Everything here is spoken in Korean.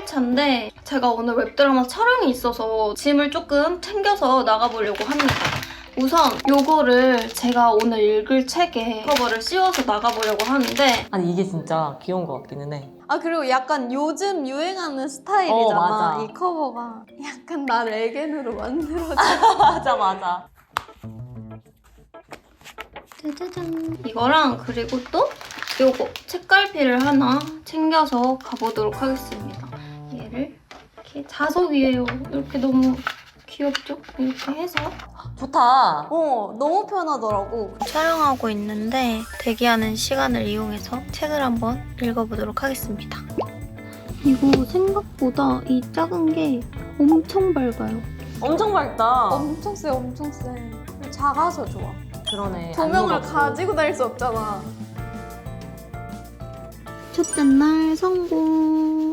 차인데 제가 오늘 웹드라마 촬영이 있어서 짐을 조금 챙겨서 나가보려고 합니다. 우선 요거를 제가 오늘 읽을 책에 커버를 씌워서 나가보려고 하는데 아니 이게 진짜 귀여운 것 같기는 해. 아 그리고 약간 요즘 유행하는 스타일이잖아. 맞아. 이 커버가 약간 나를 애견으로 만들어줘. 맞아 맞아. 짜자잔. 이거랑 그리고 또 요거 책갈피를 하나 챙겨서 가보도록 하겠습니다. 얘를 이렇게 자석이에요. 이렇게 너무 귀엽죠? 이렇게 해서 좋다. 너무 편하더라고. 촬영하고 있는데 대기하는 시간을 이용해서 책을 한번 읽어보도록 하겠습니다. 이거 생각보다 이 작은 게 엄청 밝아요. 엄청 밝다. 엄청 세, 엄청 세. 작아서 좋아. 그러네. 조명을 안 무겁고. 가지고 다닐 수 없잖아. 첫째 날 성공.